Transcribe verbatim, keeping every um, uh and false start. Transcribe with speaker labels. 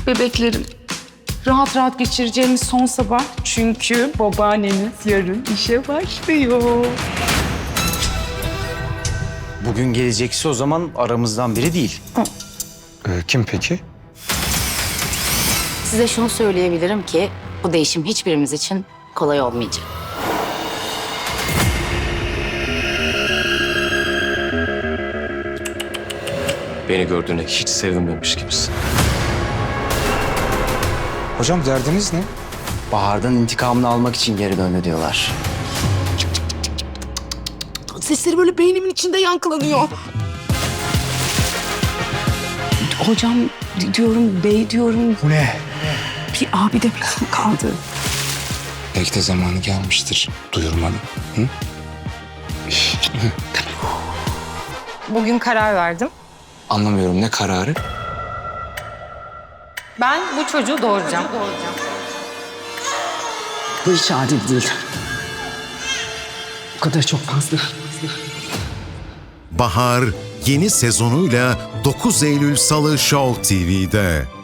Speaker 1: Bebeklerim, rahat rahat geçireceğimiz son sabah. Çünkü babaanneniz yarın işe başlıyor.
Speaker 2: Bugün gelecekse o zaman aramızdan biri değil.
Speaker 3: Ee, kim peki?
Speaker 4: Size şunu söyleyebilirim ki bu değişim hiçbirimiz için kolay olmayacak.
Speaker 5: Beni gördüğüne hiç sevinmemiş gibisin.
Speaker 3: Hocam derdiniz ne?
Speaker 2: Bahar'dan intikamını almak için geri döndü diyorlar.
Speaker 1: Sesleri böyle beynimin içinde yankılanıyor. Hocam diyorum, bey diyorum.
Speaker 3: Bu ne?
Speaker 1: Bir abi de falan kaldı.
Speaker 3: Belki de zamanı gelmiştir duyurmanın. Hı?
Speaker 6: Bugün karar verdim.
Speaker 3: Anlamıyorum, ne kararı?
Speaker 6: Ben bu çocuğu doğuracağım.
Speaker 1: Bu hiç adil değil. Bu kadar çok fazla.
Speaker 7: Bahar yeni sezonuyla dokuz Eylül Salı Show T V'de.